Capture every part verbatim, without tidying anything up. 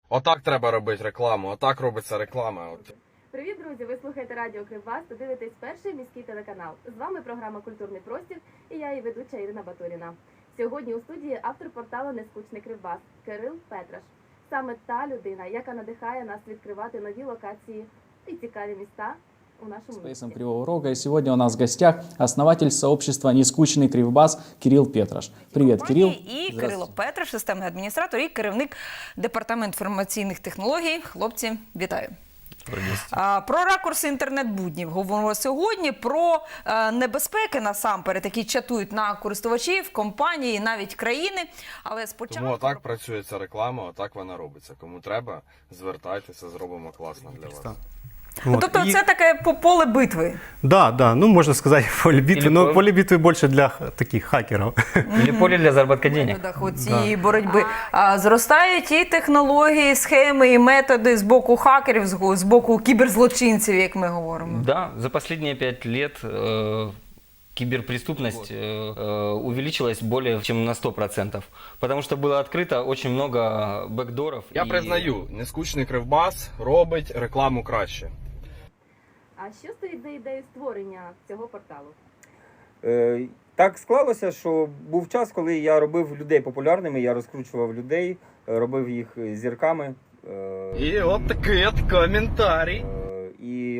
Отак треба робити рекламу, отак робиться реклама. От. Привіт, друзі! Ви слухаєте радіо Кривбас та дивитесь перший міський телеканал. З вами програма «Культурний простір» і я, її ведуча Ірина Батуріна. Сьогодні у студії автор порталу «Нескучний Кривбас» Кирил Петраш. Саме та людина, яка надихає нас відкривати нові локації і цікаві міста у нашому Спейсом місті. Кривого Рога. И сегодня у нас в гостях основатель сообщества «Нескучный Кривбас» Кирилл Петраш. Привет, Кирилл. І Кирило Петраш, системний адміністратор і керівник департаменту інформаційних технологій. Хлопці, вітаю. А, про ракурси інтернет-буднів говоримо сьогодні, про е, небезпеки насамперед, які чатують на користувачів, компанії, навіть країни. Але спочатку... Тому отак працює ця реклама, отак вона робиться. Кому треба, звертайтеся, зробимо класно для вас. Вот. Тобто и... це таке по- поле битви. Да, да, ну можно сказать поле битвы, Или но поле- поле битвы больше для х- таких хакеров. Или поле для заработка В денег. методах оцієї боротьби. А, зростають і технології, схеми, і методи з боку хакерів, з го- з боку кіберзлочинців, як ми говоримо. Да, за последние пять лет э, киберпреступность э, э, увеличилась более чем на сто процентов. Потому что было открыто очень много бэкдоров. Я и- признаю, нескучний Кривбас робить рекламу краще. А що стоїть за ідеєю створення цього порталу? Е, Так склалося, що був час, коли я робив людей популярними, я розкручував людей, е, робив їх зірками. е, І от такий от коментарій. е, І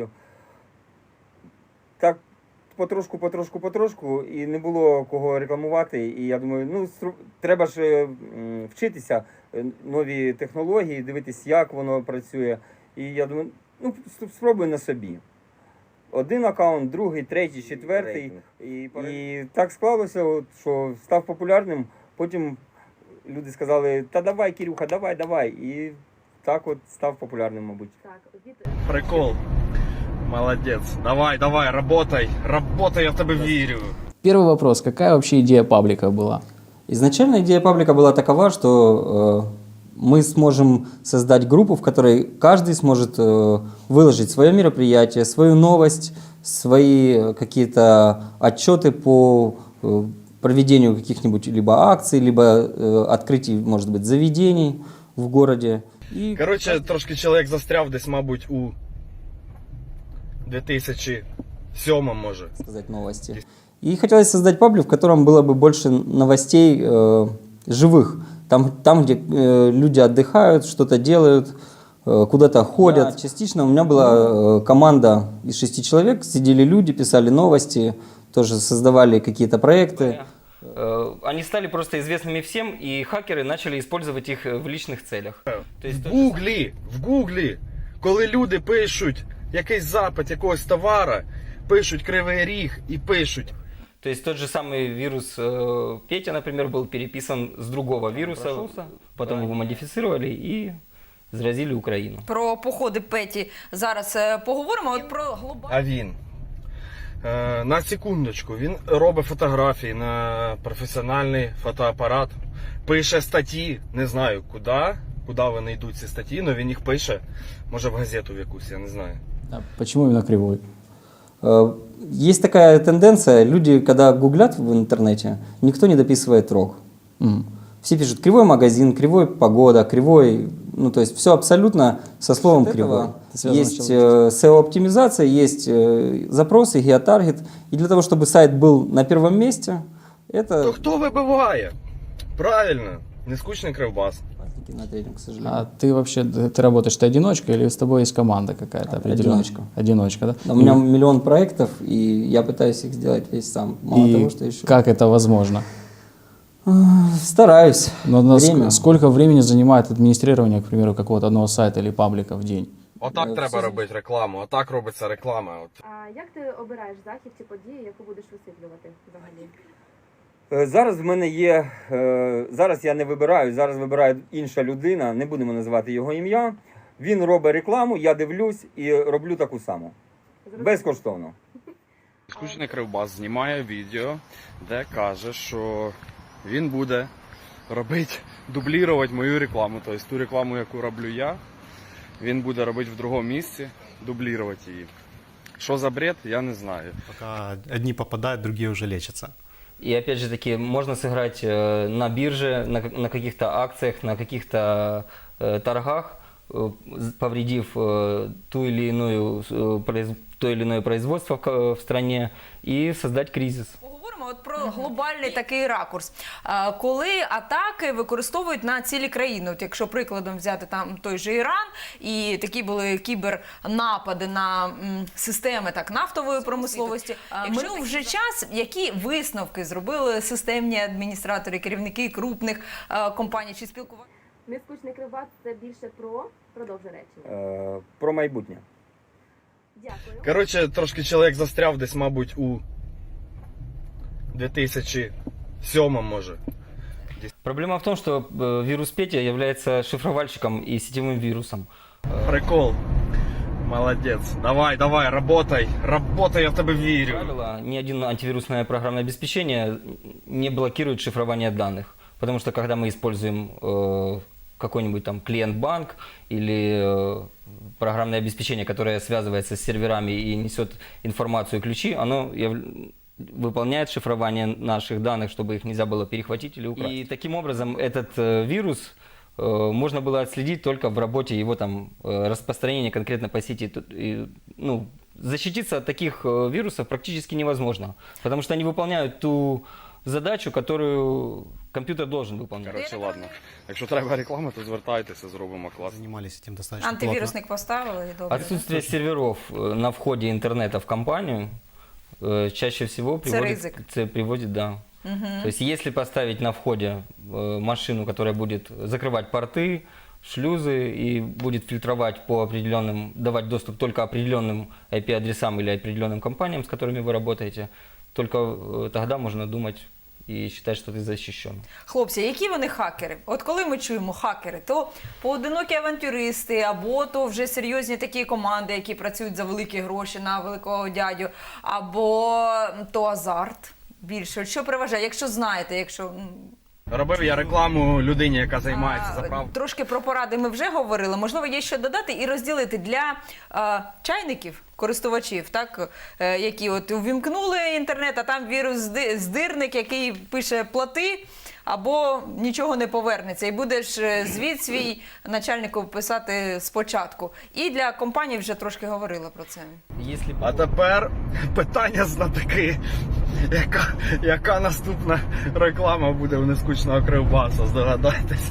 так потрошку, потрошку, потрошку, і не було кого рекламувати. І я думаю, ну стру- треба ж е, м, вчитися, е, нові технології, дивитись, як воно працює. І я думаю, ну с- спробуй на собі. Один аккаунт, другий, третій, четвертий. І, і так склалося, от, що став популярним. Потім люди сказали, та давай, Кирюха, давай, давай. І так от став популярним, мабуть. Так, від Прикол. Молодець. Давай, давай, работай. Работай, я в тебе вірю. Первый вопрос. Какая вообще идея паблика была? Изначально идея паблика была такова, что э, мы сможем создать группу, в которой каждый сможет э, выложить свое мероприятие, свою новость, свои какие-то отчеты по э, проведению каких-нибудь либо акций, либо э, открытий, может быть, заведений в городе. И Коротше, трошки чоловік застряв десь, мабуть, у дві тисячі сьомому, може. сказать новости. И хотелось создать паблик, в котором было бы больше новостей э, живых. Там, там где э, люди отдыхают, что-то делают, э, куда-то ходят. Да, частично у меня была э, команда из шести человек. Сидели люди, писали новости, тоже создавали какие-то проекты. Э, Они стали просто известными всем, и хакеры начали использовать их в личных целях. То есть В тот же Гуглі, в Гуглі, коли люди пишуть якийсь запит якогось товара, пишуть Кривий Ріг і пишуть. То есть тот же самый вирус э, Петя, например, был переписан с другого вируса, потом его модифицировали и заразили Украину. Про походи Петі зараз е, поговоримо. От про глобальну... А він, е, на секундочку, він робить фотографії на професіональний фотоапарат, пише статті, не знаю куди, куди вони йдуть ці статті, але він їх пише, може в газету в якусь, я не знаю. А почему именно Кривой? Э, Есть такая тенденция, люди, когда гуглят в интернете, никто не дописывает рог. М. Все пишут кривой магазин, кривой погода, кривой, ну то есть все абсолютно со словом От кривой. этого это связано с Есть чем? э, сео-оптимизация, есть э, запросы, геотаргет. И для того, чтобы сайт был на первом месте, То это... хто вибиває? Правильно, нескучний Кривбас. На третьем, к сожалению. А ты вообще, ты работаешь, ты одиночка или с тобой есть команда какая-то определенная? Одиночка. Одиночка, да? У меня миллион проектов, и я пытаюсь их сделать весь сам. Мало И того, что еще... как это возможно? Стараюсь. Но на ск- Время. сколько времени занимает администрирование, к примеру, какого-то одного сайта или паблика в день? Отак Е, треба все- робити рекламу, отак робиться реклама. От. А як ти обираєш захід чи подію, яку будеш висвітлювати взагалі? Е, Зараз в мене є, е, зараз я не вибираю, зараз вибирає інша людина, не будемо називати його ім'я. Він робить рекламу, я дивлюсь і роблю таку саму. Безкоштовно. Нескучний Кривбас знімає відео, де каже, що він буде робити, дублірувати мою рекламу. Тобто ту рекламу, яку роблю я, він буде робити в другому місці, дублірувати її. Що за бред, я не знаю. Пока одни попадают, другие уже лечатся. И опять же таки, можно сыграть э, на бирже, на, как- на каких-то акциях, на каких-то э, торгах, э, з- повредив э, ту или иную, э, произ- то или иное производство в, ка- в стране и создать кризис. Поговоримо от про глобальний такий ракурс. А, Коли атаки використовують на цілі країни, от якщо прикладом взяти там той же Іран, і такі були кібернапади на м, системи так нафтової промисловості. А, Минув вже час, які висновки зробили системні адміністратори, керівники крупних а, компаній чи спілкування? Нескучний кривбас це більше про продовжу речення. Е, Про майбутнє. Дякую. Коротше, трошки чоловік застряв десь, мабуть, у дві тисячі сьомому, може. Проблема в том, что э, вирус Петя является шифровальщиком и сетевым вирусом. Прикол. Молодець. Давай, давай, работай. Работай, я в тебе вірю. Правило, ни один антивирусное программное обеспечение не блокирует шифрование данных. Потому что когда мы используем э, какой-нибудь там клиент-банк или э, программное обеспечение, которое связывается с серверами и несет информацию и ключи, оно яв- выполняет шифрование наших данных, чтобы их нельзя было перехватить или украсть. И таким образом этот э, вирус э, можно было отследить только в работе его там э, распространения конкретно по сети. Тут, и, ну, защититься от таких э, вирусов практически невозможно, потому что они выполняют ту задачу, которую компьютер должен выполнять. Коротше, ладно. Якщо треба реклама, то звертайтеся, зробимо клас. Занимались этим достаточно плотно. Антивірусник поставили і добре. Отсутствие серверов э, на входе интернета в компанию э, чаще всего приводит, рызык. ц- приводит, да. То есть если поставить на входе э, машину, которая будет закрывать порты, шлюзы и будет фильтровать по определенным, давать доступ только определенным ай пи-адресам или определенным компаниям, с которыми вы работаете, только э, тогда можно думать и считать, что ты защищен. Хлопці, які вони хакери? От коли ми чуємо хакери, то поодинокі авантюристи, або то вже серйозні такі команди, які працюють за великі гроші на великого дядю, або то азарт більше. От що переважає? Якщо знаєте, якщо м, Робив я рекламу людині, яка займається а, заправкою. трошки про поради ми вже говорили. Можливо, є що додати і розділити для а, чайників, користувачів, так, е, які от увімкнули інтернет, а там вірус-здирник, який пише «плати», або нічого не повернеться. І будеш е, звіт свій начальнику писати спочатку. І для компаній вже трошки говорила про це. Если А тепер питання знатоки. Яка, яка наступна реклама буде у нескучного кривбаса, здогадайтесь.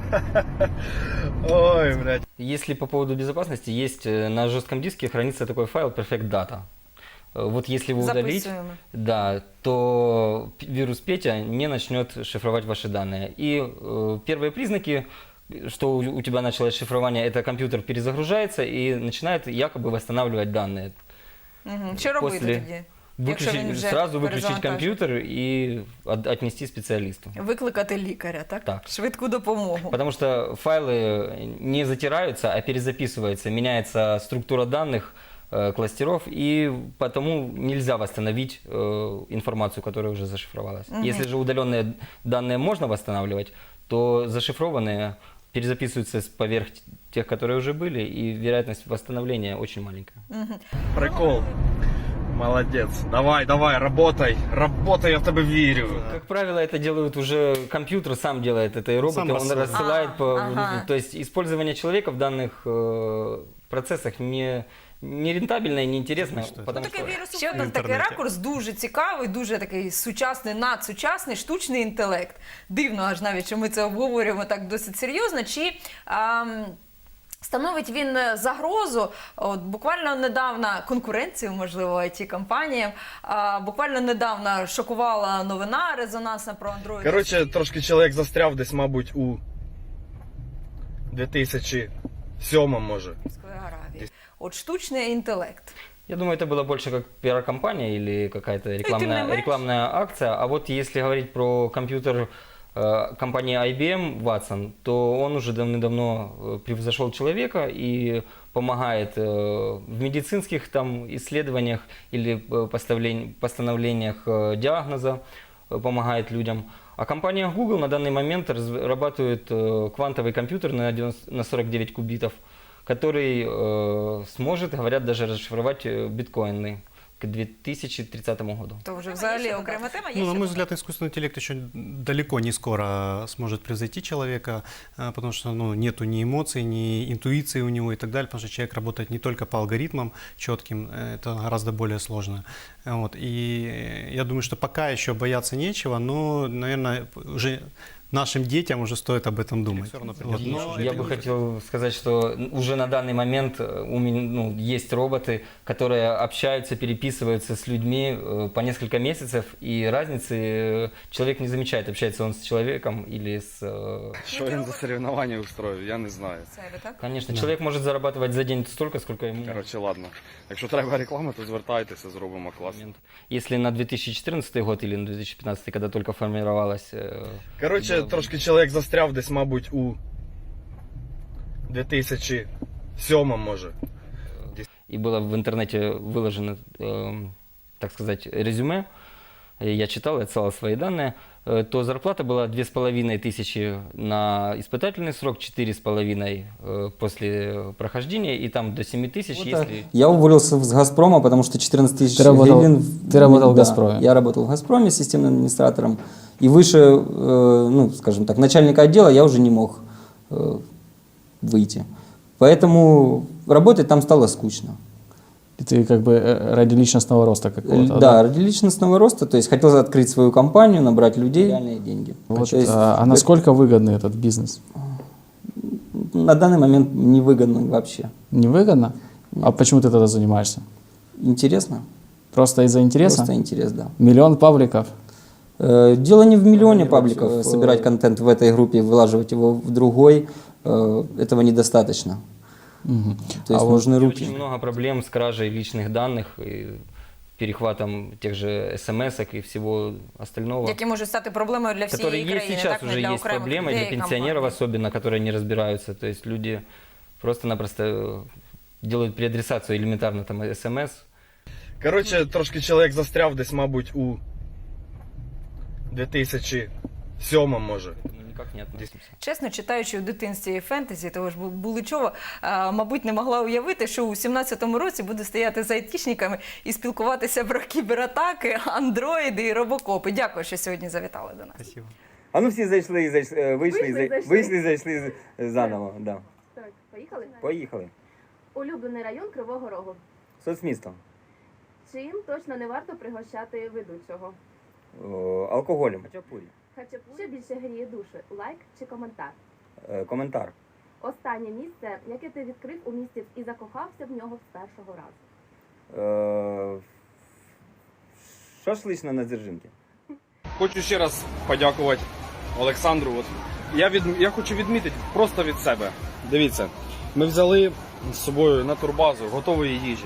Ой, блядь. Если по поводу безопасности, есть э, на жестком диске хранится такой файл Perfect Data. Э, Вот если его удалить, Записуємо. да, то п- вирус Петя не начнет шифровать ваши данные. И э, первые признаки, что у, у тебя началось шифрование, это компьютер перезагружается и начинает якобы восстанавливать данные. Угу. Що робити После- тоді? Якщо він Выключить, вже сразу выключить перезавантажений? компьютер и от- отнести специалисту. Викликати лікаря, так? Так. Швидку допомогу. Потому что файлы не затираются, а перезаписываются, меняется структура данных, э, кластеров, и потому нельзя восстановить э, информацию, которая уже зашифровалась. Если же удаленные данные можно восстанавливать, то зашифрованные перезаписываются с- поверх тех, которые уже были, и вероятность восстановления очень маленькая. Прикол. Молодець. Давай, давай, работай. Работай, я в тебе вірю. Как правило, это делают уже компьютер, сам делает это, и робот, Сам он рассылает. рассылает А, по... ага. То есть использование человека в данных э, процессах не, не рентабельно и неинтересно, Что это? потому Такий что... вірус ще один в такий інтернеті. ракурс, дуже цікавий, дуже такий сучасний, надсучасний, штучний інтелект. Дивно аж навіть, що ми це обговорюємо так досить серйозно. Чи ам, становить він загрозу? От, буквально недавно конкуренцію, можливо, ай ті-компаніям, а, буквально недавно шокувала новина резонансна про Android. Коротше, трошки чоловік застряв десь, мабуть, у дві тисячі сьомому, може. Саудівської Аравії. От штучний інтелект. Я думаю, это было больше как пиар-компания или какая-то тем не рекламная, меньше. рекламная акция. А вот если говорить про компьютер э, компании ай би эм Watson, то он уже давным-давно э, превзошел человека и помогает э, в медицинских там исследованиях или э, поставлень- постановлениях э, диагноза, э, помогает людям. А компания Google на данный момент разрабатывает э, квантовый компьютер на, девяносто на сорок девять кубитов, который э, сможет, говорят, даже расшифровать э, биткоины. к две тысячи тридцатому году. То вже взагалі окрема тема. Є Ну, на ще мой додати? взгляд, искусственный интеллект еще далеко не скоро сможет превзойти человека, а, потому что ну, нету ни эмоций, ни интуиции у него и так далее, потому что человек работает не только по алгоритмам четким, это гораздо более сложно. Вот. И я думаю, что пока еще бояться нечего, но, наверное, уже нашим детям уже стоит об этом думать. Вот. Но Я это бы не- хотел сказать, что уже на данный момент э, у меня ну, есть роботы, которые общаются, переписываются с людьми э, по несколько месяцев, и разницы э, человек не замечает, общается он с человеком или с... э, Що він за соревновання устроїв, я не знаю. Це ви, так? Конечно, человек может зарабатывать за день столько, сколько ему Коротше, ладно. Якщо треба реклама, то звертайтеся, зробимо клас. момент. Если на две тысячи четырнадцатый год или на две тысячи пятнадцатый, когда только формировалась... э, Коротше, Да. трошки чоловік застряв десь, мабуть, у дві тисячі сьомому, може. и было в интернете выложено, э, так сказать, резюме, и я читал, я отсылал свои данные, э, то зарплата была две с половиной тысячи на испытательный срок, четыре с половиной э, после прохождения, и там до семи тысяч, Вот, если... Я уволился с «Газпрома», потому что четырнадцать тысяч Ты работал- гривен... ты работал в Да, «Газпроме». Я работал в «Газпроме» системным администратором. И выше, э, ну, скажем так, начальника отдела я уже не мог э, выйти. Поэтому работать там стало скучно. И ты как бы э, ради личностного роста какого-то. Да, ради личностного роста, то есть хотел открыть свою компанию, набрать людей, реальные деньги. Вот, То есть, а, а насколько выгодный этот бизнес? на данный момент невыгодно вообще. Невыгодно? А почему ты тогда занимаешься? Интересно? Просто из-за интереса? Просто интерес, да. Миллион пабликов? Э, Дело не в миллионе пабликов. Э, Собирать контент в этой группе, вылаживать его в другой, э, этого недостаточно. Мгм. То есть А вот нужны И руки. очень много проблем с кражей личных данных, и перехватом тех же смс-ок и всего остального. Які можуть стати проблемою для всієї Которые есть країни, сейчас, так, не уже для есть окремих проблемы, людей для і пенсионеров компаній. особенно, которые не разбираются. То есть люди просто-напросто э, делают переадресацию элементарно там смс. Коротше, трошки чоловік застряв десь, мабуть, у дві тисячі сьомому, може. Ну, никак не относимся. Чесно, читаючи у дитинстві фентезі, того ж Буличова, а, мабуть, не могла уявити, що у сімнадцятому році буде стояти з айтішниками і спілкуватися про кібератаки, андроїди і робокопи. Дякую, що сьогодні завітали до нас. Спасибо. А ну всі зайшли, і зайшли е, вийшли, і Вийшли, зай- зайшли. вийшли, і зайшли з- заново. Да. Так, поїхали? Поїхали. Улюблений район Кривого Рогу. Соцмісто. Чим точно не варто пригощати ведучого? О, алкоголем. Хачапурі. Хачапурі. Що більше гріє душі? Лайк чи коментар? Е, коментар. Останнє місце, яке ти відкрив у місті і закохався в нього з першого разу. Е, шашлична на Дзержинки. Хочу ще раз подякувати Олександру. От я, від, я хочу відмітити просто від себе. Дивіться, ми взяли з собою на турбазу готової їжі.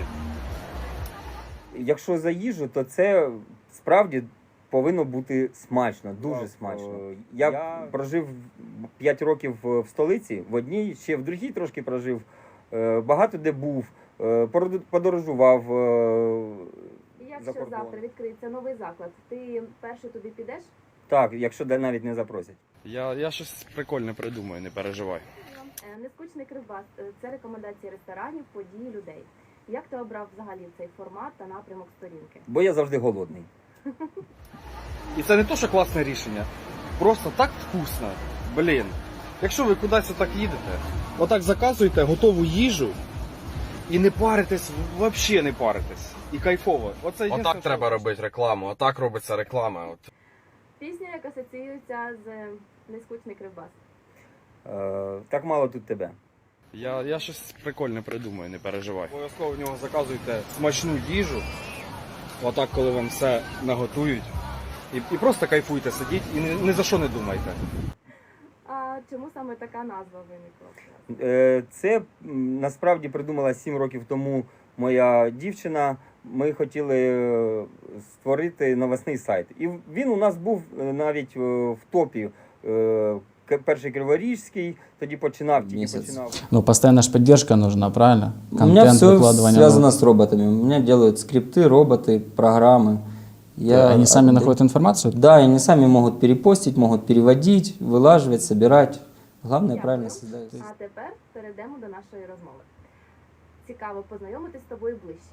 Якщо за їжу, то це справді повинно бути смачно, дуже Так, смачно. е, Я, я- прожив п'ять років в столиці, в одній, ще в другій трошки прожив. Е, Багато де був, е, породу- подорожував. е, Якщо За кордон. завтра відкриється новий заклад, ти перший туди підеш? Так, якщо де навіть не запросять. Я, я щось прикольне придумаю, не переживай. Е, Нескучний Кривбас – це рекомендації ресторанів, подій, людей. Як ти обрав взагалі цей формат та напрямок сторінки? Бо я завжди голодний. І це не то, що класне рішення. Просто так вкусно. Блін. Якщо ви кудись отак їдете, отак заказуєте готову їжу і не паритесь, взагалі не паритесь. І кайфово. Оце єдине, Отак що- треба робити рекламу, отак робиться реклама. От. Пісня, яка асоціюється з Нескучний Кривбас. Е, Так мало тут тебе. Я, я щось прикольне придумаю, не переживай. Обов'язково в нього заказуйте смачну їжу. Отак, коли вам все наготують. І, і просто кайфуйте, сидіть і ні, ні за що не думайте. А чому саме така назва виникла? Е, Це м, насправді придумала сім років тому моя дівчина. Ми хотіли е, створити новосний сайт. І він у нас був е, навіть е, в топі. Е, К- Перший Криворіжський, тоді починав, тільки Місяць. починав. Ну, постоянная же поддержка нужна, правильно? У меня все выкладывание связано новых. с роботами. У меня делают скрипты, роботы, программы. Я Они сами отда- находят информацию? Да, они сами могут перепостить, могут переводить, вылаживать, собирать. Главное, Дякую. правильно создать. А тепер перейдемо до нашої розмови. Цікаво познайомитись з тобою ближче.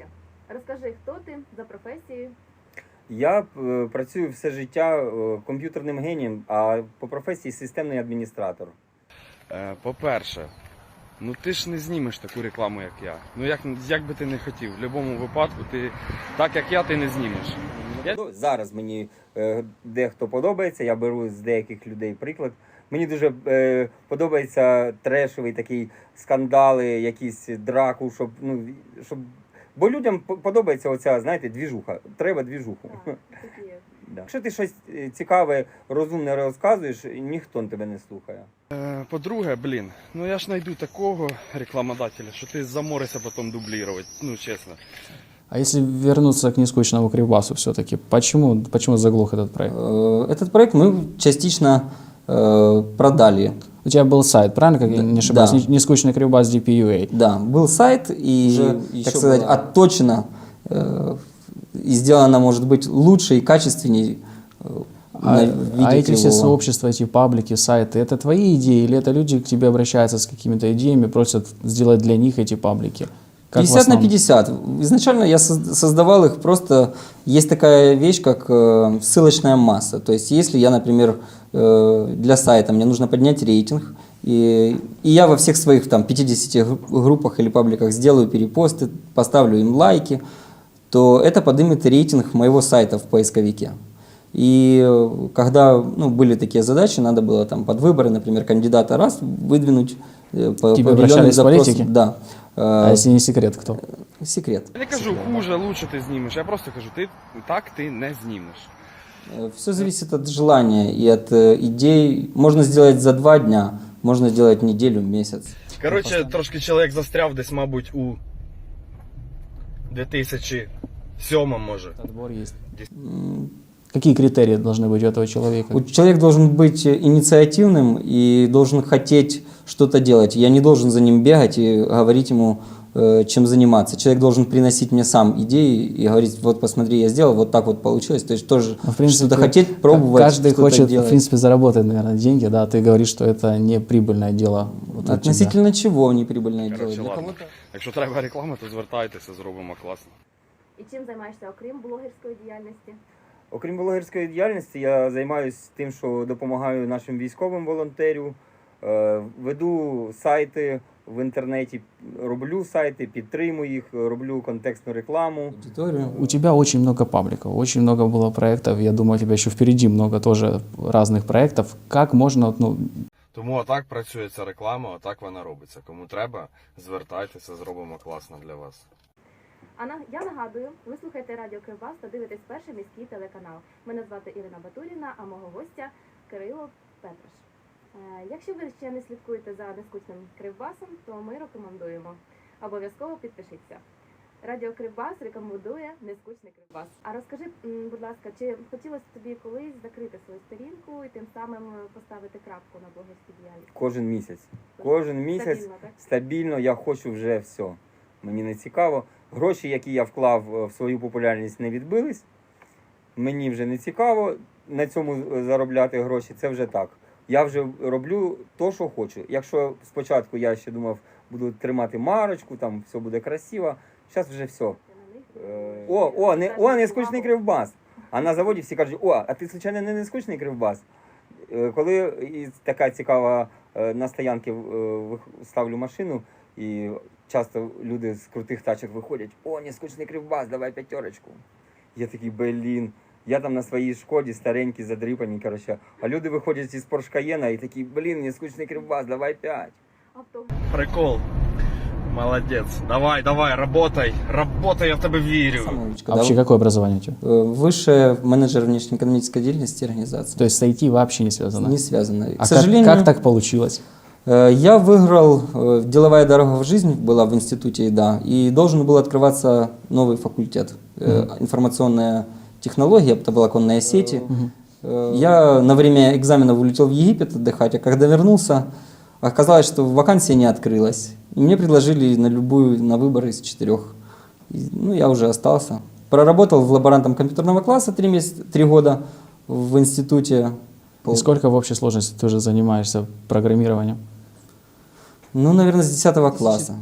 Розкажи, хто ти за професією? Я е, працюю все життя е, комп'ютерним генієм, а по професії системний адміністратор. Е, По-перше, ну ти ж не знімеш таку рекламу, як я. Ну як, як би ти не хотів, в будь-якому випадку ти так як я, ти не знімеш. Я... Ну, зараз мені е, дехто подобається, я беру з деяких людей приклад. Мені дуже е, подобається трешовий такий скандали, якісь драку, щоб, ну, щоб... Бо людям по- подобається оця, знаєте, двіжуха. Треба двіжуху. Так, такі є. Да. Якщо ти щось е, цікаве, розумне розказуєш, ніхто тебе не слухає. Е, По-друге, блін, ну я ж знайду такого рекламодателя, що ти заморишся потім дублірувати, ну чесно. А если вернуться к нескучному Кривбасу все-таки, почему, почему заглох этот проект? Э, Этот проект мы частично э, продали. У тебя был сайт, правильно, как я не ошибаюсь? Да. Не- Нескучный Кривбас ди пи ю эй. Да, был сайт, и, Уже так еще сказать, было. отточено э, и сделано, может быть, лучше и качественнее э, А, на а видео эти все Кривого. сообщества, эти паблики, сайты, это твои идеи или это люди к тебе обращаются с какими-то идеями, просят сделать для них эти паблики? Как в пятьдесят на основном? пятьдесят. Изначально я соз- создавал их просто... Есть такая вещь, как э, ссылочная масса. То есть если я, например, э, для сайта мне нужно поднять рейтинг, и, и я во всех своих там пятидесяти гру- группах или пабликах сделаю перепосты, поставлю им лайки, то это поднимет рейтинг моего сайта в поисковике. И э, когда ну, были такие задачи, надо было там под выборы, например, кандидата раз выдвинуть э, по, Тебе по обращались определенным запросам. политики? Да. А Э, если не секрет, кто? Секрет. Я не кажу хуже, лучше ти знімеш. Я просто кажу, ти так ти не знімеш. Все зависит от желания и от э, идей. Можно сделать за два дня, можно сделать неделю, месяц. Коротше, трошки чоловік застряв десь, мабуть, у дві тисячі сьомому, може. Отбор есть. М, Какие критерии должны быть у этого человека? у- Человек должен быть инициативным и должен хотеть что-то делать. Я не должен за ним бегать и говорить ему, э, чем заниматься. Человек должен приносить мне сам идеи и говорить, вот посмотри, я сделал, вот так вот получилось. То есть тоже Ну, в принципе, что-то хотеть, пробовать, Каждый что-то хочет, делать. в принципе, заработать, наверное, деньги, да. Ты говоришь, что это не прибыльное дело. Вот у тебя. Относительно чего неприбыльное дело? Коротше, Для ладно. кого-то Якщо треба реклама, то звертайтеся, зробимо класно. І чим займаєшся окрім блогерської діяльності? Окрім блогерської діяльності, я займаюся тим, що допомагаю нашим військовим волонтерю, е, веду сайти в інтернеті, роблю сайти, підтримую їх, роблю контекстну рекламу. аудиторию. У тебя очень много пабликов, очень много было проектов. Я думаю, у тебя еще впереди много тоже разных проектов. Как можно, ну, Тому отак працює ця реклама, отак вона робиться. Кому треба, звертайтеся, зробимо класно для вас. А на- я нагадую, ви слухаєте Радіо Кривбас та дивитесь перший міський телеканал. Мене звати Ірина Батуріна, а мого гостя Кирило Петраш. Е, Якщо ви ще не слідкуєте за нескучним Кривбасом, то ми рекомендуємо. Обов'язково підпишіться. Радіо Кривбас рекомендує нескучний Кривбас. А розкажи, м, будь ласка, чи хотілося тобі колись закрити свою сторінку і тим самим поставити крапку на блогерській діяльності? Кожен місяць. Кожен місяць Стабільно, так? стабільно я хочу вже все. Мені не цікаво. Гроші, які я вклав е, в свою популярність, не відбились. Мені вже не цікаво на цьому е, заробляти гроші. Це вже так. Я вже роблю то, що хочу. Якщо спочатку я ще думав, буду тримати марочку, там все буде красиво, зараз вже все. Ти на них, Е, О, о, не, о, не скучний Кривбас. А на заводі всі кажуть, о, а ти, звичайно, не нескучний Кривбас. Е, Коли і така цікава е, на стоянки е, вих- ставлю машину, і часто люди з крутих тачок виходять, о, нескучний Кривбас, давай п'ятерочку. Я такий, блін, я там на своїй Шкоді старенький, задрипані, коротше. А люди виходять із Порш Каєна і такі, блін, нескучний Кривбас, давай п'ять. Авто. Прикол. Молодець. Давай, давай, работай. Работай, я в тебе вірю. Самоучка, а да. вообще какое образование у тебя? Э, Высшее менеджер внешнеэкономической деятельности организации. То есть с ай ти вообще не связано? Не связано. А К сожалению, как, как так получилось? э, я выиграл э, деловая дорога в жизнь была в институте, да, и должен был открываться новый факультет э, информационная технология, это была конная сети. Э, Я на время экзаменов улетел в Египет отдыхать, а когда вернулся, оказалось, что вакансия не открылась. И мне предложили на любую, на выбор из четырех. И, ну, я уже остался. Проработал в лаборантом компьютерного класса три месяца, три года в институте. И сколько в общей сложности ты уже занимаешься программированием? Ну, наверное, с десятого класса.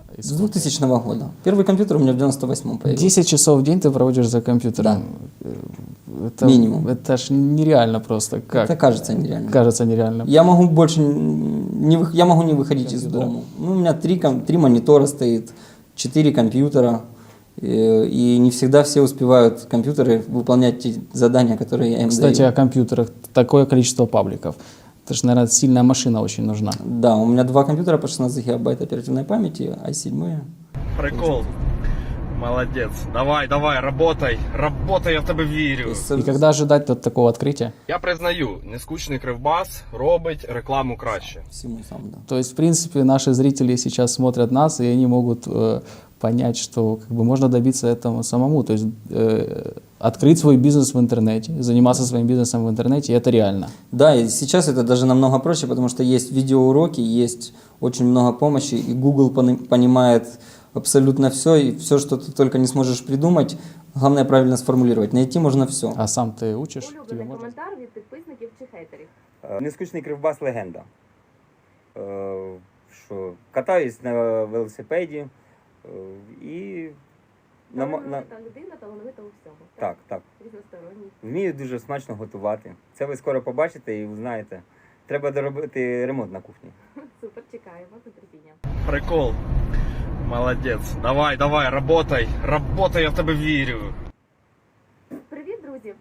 С двухтысячного года. Первый компьютер у меня в девяносто восьмом появился. десять часов в день ты проводишь за компьютером. Это, Минимум. Это ж нереально просто. Как? Это кажется нереально. Кажется нереально. Я могу больше не, вы- я могу не выходить из дома. Ну, у меня три, ком- три монитора стоит, четыре компьютера. э, И не всегда все успевают компьютеры выполнять те задания, которые я им Кстати, даю. о компьютерах. Такое количество пабликов. Это же, наверное, сильная машина очень нужна. Да, у меня два компьютера по шестнадцать гигабайт оперативной памяти, ай семь. Прикол. Молодець. Давай, давай, работай. Работай, я в тебе вірю. И когда ожидать от такого открытия? Я признаю, нескучний Кривбас робить рекламу краще. Всему сам, да. То есть, в принципе, наши зрители сейчас смотрят нас, и они могут э, понять, что как бы, можно добиться этого самому. То есть э, открыть свой бизнес в интернете, заниматься своим бизнесом в интернете, и это реально. Да, и сейчас это даже намного проще, потому что есть видеоуроки, есть очень много помощи, и Google пони- понимает абсолютно все, и все, что ты только не сможешь придумать, главное правильно сформулировать. Найти можно все. А сам ты учишь? Тебе Улюблений можно? коментар від підписників чи хейтерів. Е, Нескучний Кривбас легенда. Е, Що катаюсь на велосипеді е, і на, мо- на, Талановита людина, талановита у всьому. так, так. Різносторонній. Вмію дуже смачно готувати. Це ви скоро побачите і узнаєте. Треба доробити ремонт на кухні. Супер, чекаємо з нетерпінням. Прикол. Молодець. Давай, давай, работай. Работай, я в тебе вірю. Привіт, друзі!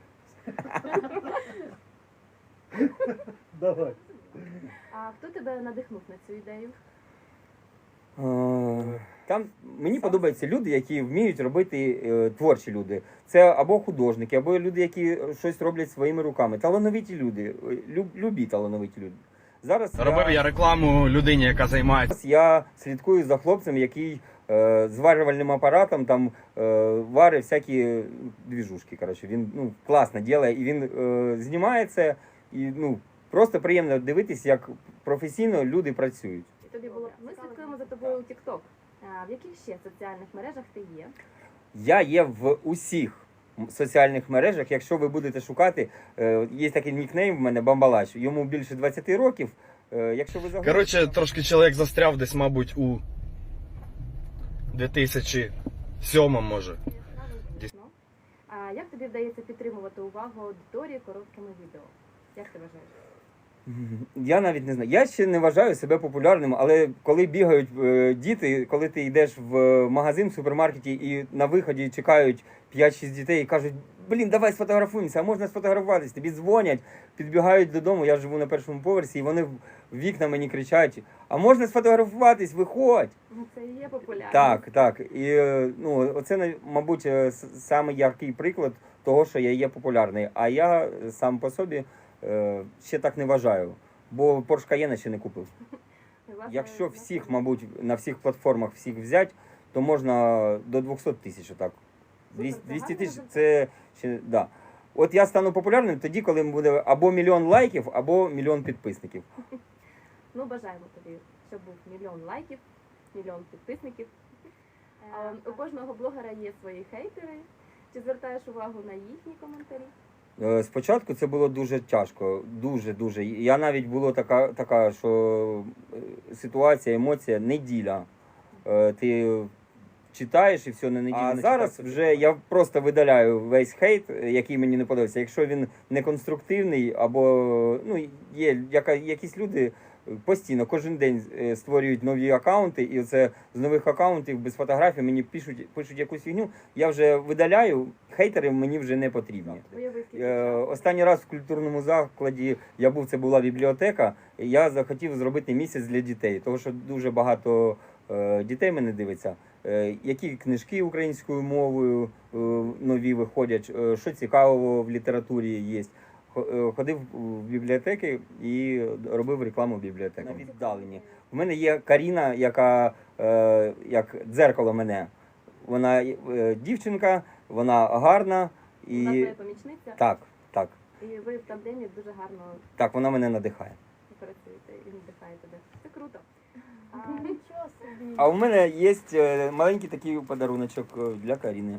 Давай. А хто тебе надихнув на цю ідею? Е, Там мені подобаються люди, які вміють робити е, творчі люди. Це або художники, або люди, які щось роблять своїми руками. Талановиті люди, е, люб, любі талановиті люди. Зараз Робив я рекламу людині, яка займається. Зараз я слідкую за хлопцем, який е, зварювальним апаратом там е, варить всякі двіжушки. Коротше, він ну, класно робить, і він е, знімає це, і ну, просто приємно дивитись, як професійно люди працюють. І тобі було ми слідкуємо за тобою у TikTok. А в яких ще соціальних мережах ти є? Я є в усіх соціальних мережах. Якщо ви будете шукати, е, є такий нікнейм в мене Бамбалач, йому більше двадцять років. Е, якщо ви загуглите- Коротше, трошки чоловік застряв десь, мабуть, у дві тисячі сьомому, може. Ну. А як тобі вдається підтримувати увагу аудиторії короткими відео? Як ти вважаєш? Я навіть не знаю. Я ще не вважаю себе популярним, але коли бігають е, діти, коли ти йдеш в магазин, в супермаркеті і на виході чекають п'ять-шість дітей і кажуть, блін, давай сфотографуємося, а можна сфотографуватись, тобі дзвонять, підбігають додому, я живу на першому поверсі, і вони в вікна мені кричать, а можна сфотографуватись, виходь. Ну, це і є популярність. Так, так. І е, ну, оце, мабуть, е, с- саме яркий приклад того, що я є популярний. А я сам по собі е, ще так не вважаю, бо Porsche Cayenne ще не купив. Власне, Якщо власне, всіх, мабуть, на всіх платформах всіх взяти, то можна до двісті тисяч отак. двісті двісті тисяч це ще, да. От я стану популярним тоді, коли буде або мільйон лайків, або мільйон підписників. Ну, бажаємо тобі, щоб був мільйон лайків, мільйон підписників. А, у кожного блогера є свої хейтери. Чи звертаєш увагу на їхні коментарі? Е, Спочатку це було дуже тяжко, дуже-дуже. Я навіть було така, така що е, ситуація, емоція, неділя. Е, Ти читаєш і все на неділю. А зараз вже я просто видаляю весь хейт, який мені не подобається. Якщо він не конструктивний, або ну, є яка, якісь люди постійно, кожен день е, створюють нові акаунти, і це з нових акаунтів без фотографій мені пишуть, пишуть якусь фігню, я вже видаляю, хейтери мені вже не потрібні. Уяви, скільки Е, часу. Останній раз в культурному закладі я був, це була бібліотека, і я захотів зробити місяць для дітей, тому що дуже багато е, дітей мене дивиться. Е, які книжки українською мовою е, нові виходять, е, що цікавого в літературі є. Ходив в бібліотеки і робив рекламу в бібліотеки. На віддалені. У мене є Каріна, яка е, як дзеркало мене. Вона е, дівчинка, вона гарна і Вона твоя помічниця, так, так, і ви в тандемі дуже гарно так, вона мене надихає. працюєте і надихає тебе. Це круто. А, Нічого собі. А у мене є е, маленький такий подаруночок е, для Каріни.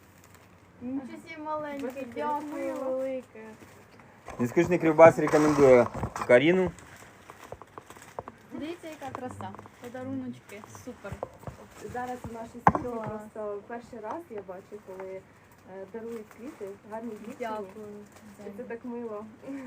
Нічого собі маленький, дякую велике. Нескучний Кривбас рекомендує Каріну. Дивіться, яка така краса. Подаруночки, супер. Зараз в нашій студії Клас. просто перший раз я бачу, коли е, дарують квіти, гарні дівчині. Дякую. І це так мило.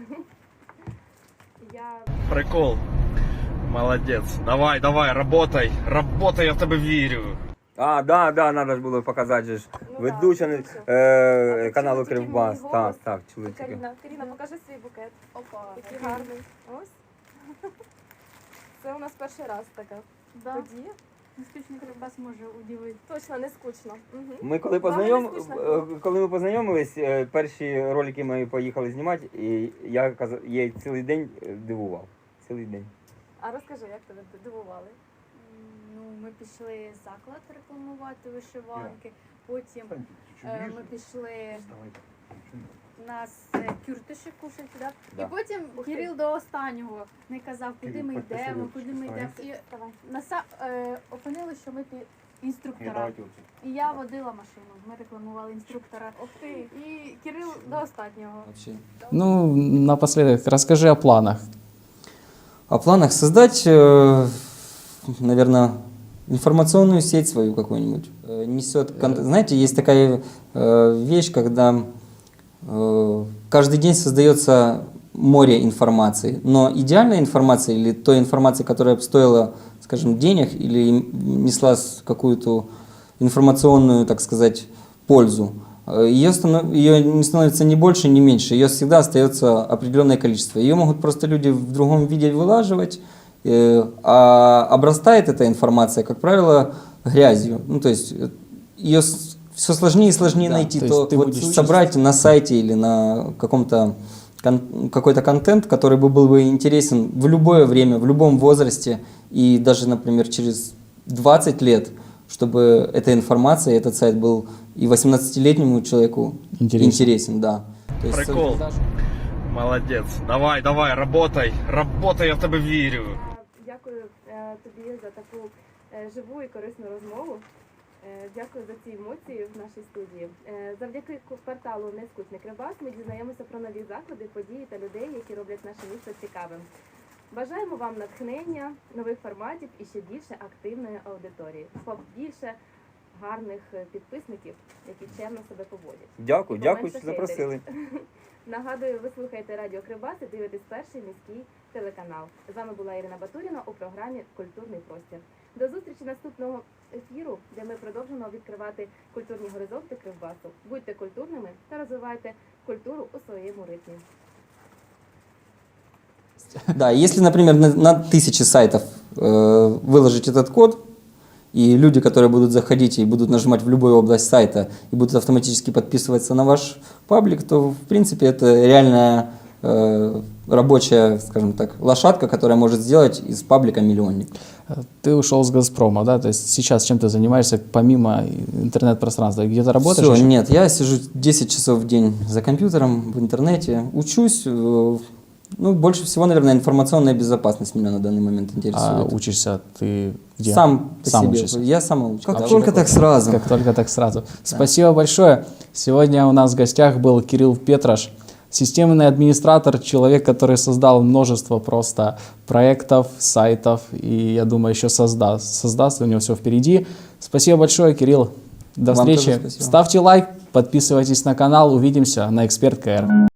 Я Прикол. Молодець. Давай, давай, работай. Работай, я в тебе вірю. А, да, да, треба ж було показати же ж. Ну, Ведуча да, ведуча. е, А каналу ти чула тільки Кривбас. мій Так, голос? так, чули тільки. Каріна, Каріна, покажи свій букет. Опа. Який гарний. Ось. Це у нас перший раз така Да. подія. Нескучний Кривбас може удивити. Точно, не скучно. Угу. Ми коли, Вам познайом... не скучно? е, коли ми познайомились, е, перші ролики ми поїхали знімати, і я казав, я цілий день е, дивував. Цілий день. А розкажи, як тебе дивували? Ну, ми пішли заклад рекламувати вишиванки, потім е, ми пішли нас е, кюртиші кушати, да? Да. І потім Кирил до останнього не казав, куди ми йдемо, куди ми йдемо. І наса, е, опинили, що ми пі- інструктора. І я водила машину, ми рекламували інструктора. Ух ти. І Кирил до останнього. Вообще. Ну, напоследок, расскажи о планах. О планах создать, э, наверное, информационную сеть свою какую-нибудь. Э, Несет, кон- знаете, есть такая э, вещь, когда э, каждый день создается море информации, но идеальная информация или той информации, которая бы стоила, скажем, денег или им несла с- какую-то информационную, так сказать, пользу, э, ее, станов- ее не становится ни больше, ни меньше, ее всегда остается определенное количество. Ее могут просто люди в другом виде вылаживать, э, а обрастает эта информация, как правило, грязью. Ну, то есть э, ее все сложнее и сложнее Да, найти, то то, есть ты вот будешь собрать на сайте или на каком-то кон- какой-то контент, который бы был бы интересен в любое время, в любом возрасте, и даже, например, через двадцать лет, чтобы эта информация, этот сайт был и восемнадцатилетнему человеку Интересен. интересен, да. То есть Прикол. создашь- Молодець. Давай, давай, работай. Работай, я в тебе вірю. Дякую е, тобі за таку е, живу і корисну розмову. Е, Дякую за ці емоції в нашій студії. Е, Завдяки ку- порталу Нескучний Кривбас ми дізнаємося про нові заклади, події та людей, які роблять наше місто цікавим. Бажаємо вам натхнення, нових форматів і ще більше активної аудиторії. Побільше гарних е, підписників, які чемно себе поводять. Дякую, І дякую, поменше що запросили. Нагадую, ви слухаєте Радіо Кривбас і дивитесь перший міський телеканал. З вами була Ірина Батуріна у програмі Культурний простір. До зустрічі наступного ефіру, де ми продовжимо відкривати культурні горизонти Кривбасу. Будьте культурними та розвивайте культуру у своєму ритмі. Да, если, например, на, на тысячи сайтов э, выложить этот код, и люди, которые будут заходить и будут нажимать в любую область сайта и будут автоматически подписываться на ваш паблик, то, в принципе, это реальная э, рабочая, скажем так, лошадка, которая может сделать из паблика миллионник. Ты ушел с «Газпрома», да? То есть сейчас чем ты занимаешься помимо интернет-пространства? Где-то работаешь? Все, еще? нет, я сижу десять часов в день за компьютером, в интернете, учусь. э, Ну, больше всего, наверное, информационная безопасность меня на данный момент А интересует. учишься ты где? Сам по Сам себе. учишься? Я сам учусь. Как А только что так сразу. Как только так сразу. Спасибо большое. Сегодня у нас в гостях был Кирилл Петраш, системный администратор, человек, который создал множество просто проектов, сайтов, и я думаю, еще создаст. Создаст, у него все впереди. Спасибо большое, Кирилл. До Вам встречи. тоже спасибо. Ставьте лайк, подписывайтесь на канал. Увидимся на Эксперт КР.